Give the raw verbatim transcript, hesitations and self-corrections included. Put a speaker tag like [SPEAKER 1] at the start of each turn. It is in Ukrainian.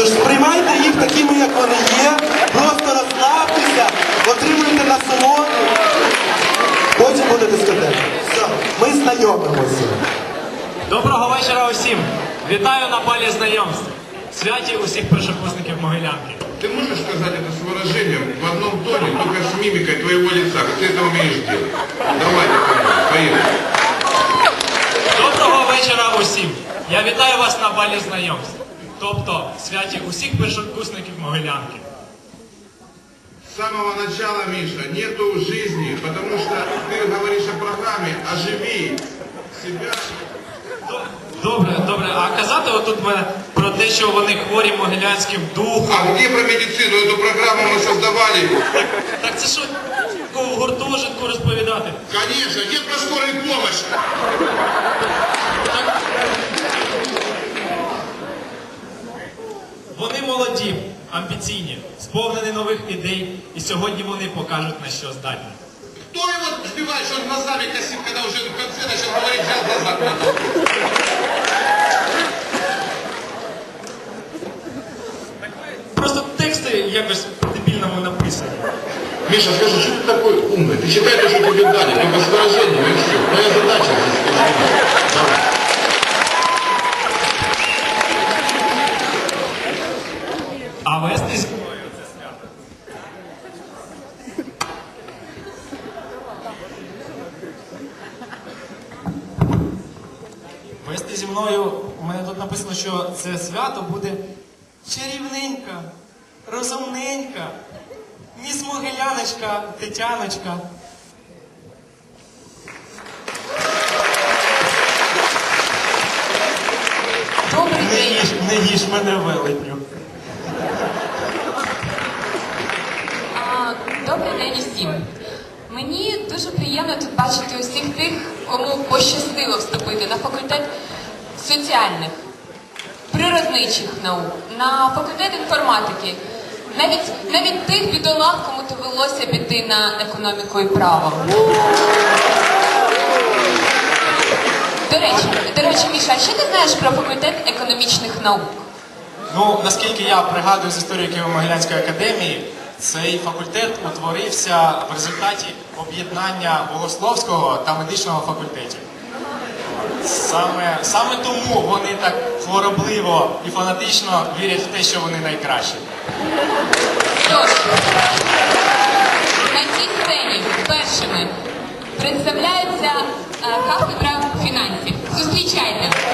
[SPEAKER 1] Тож сприймайте їх такими, як вони є, просто розслабтеся, отримуйте насолоду, потім буде дискотека. Все, ми знайомимося.
[SPEAKER 2] Доброго вечора усім! Вітаю на балі знайомств. Святі усіх першокурсників Могилянки.
[SPEAKER 3] Ты можешь сказать это с выражением в одном тоне, только с мимикой твоего лица, как ты это умеешь делать? Давай, поехали.
[SPEAKER 2] Доброго вечора усім! Я вітаю вас на балі знайомств. Тобто святі усіх першокурсників Могилянки.
[SPEAKER 3] С самого начала, Миша, нету жизни, потому что ты говоришь о программе «Оживи себя».
[SPEAKER 2] Добре, добре. А казати отут мене про те, що вони хворі могилянським духом.
[SPEAKER 3] А где про медицину? Эту программу мы создавали.
[SPEAKER 2] Так це що, в гуртожитку розповідати?
[SPEAKER 3] Конечно, где про скорую помощь?
[SPEAKER 2] Вони молоді, амбіційні, сповнені нових ідей, і сьогодні вони покажуть, на що здатні.
[SPEAKER 3] Кто его сбивает, что он глазами косит, когда уже в конце начал говорить, взял глаза?
[SPEAKER 2] Просто тексти якось по-дебільному написані.
[SPEAKER 3] Миша, скажи, что ты такой умный? Ты считай то, что тебе дали, только с выражением и все. Моя задача здесь. Давай.
[SPEAKER 2] А вести зі мною це свято. Вести зі мною, у мене тут написано, що це свято буде чарівненька, розумненька, міс Могиляночка, Тетяночка.
[SPEAKER 4] Добрий
[SPEAKER 2] Не
[SPEAKER 4] день.
[SPEAKER 2] їж, не їж мене, велетню.
[SPEAKER 4] А, Добрий день усім. Мені дуже приємно тут бачити усіх тих, кому пощастило вступити на факультет соціальних, природничих наук, на факультет інформатики. Навіть, навіть тих бідолах, кому довелося піти на економіку і право. До речі, до речі, Міша, а що ти знаєш про факультет економічних наук?
[SPEAKER 2] Ну, наскільки я пригадую з історії Києво-Могилянської академії, цей факультет утворився в результаті об'єднання богословського та медичного факультетів. Саме, саме тому вони так хворобливо і фанатично вірять в те, що вони найкращі.
[SPEAKER 4] Тож, на цій сцені першими представляється е, кафедра фінансів. Зустрічайте!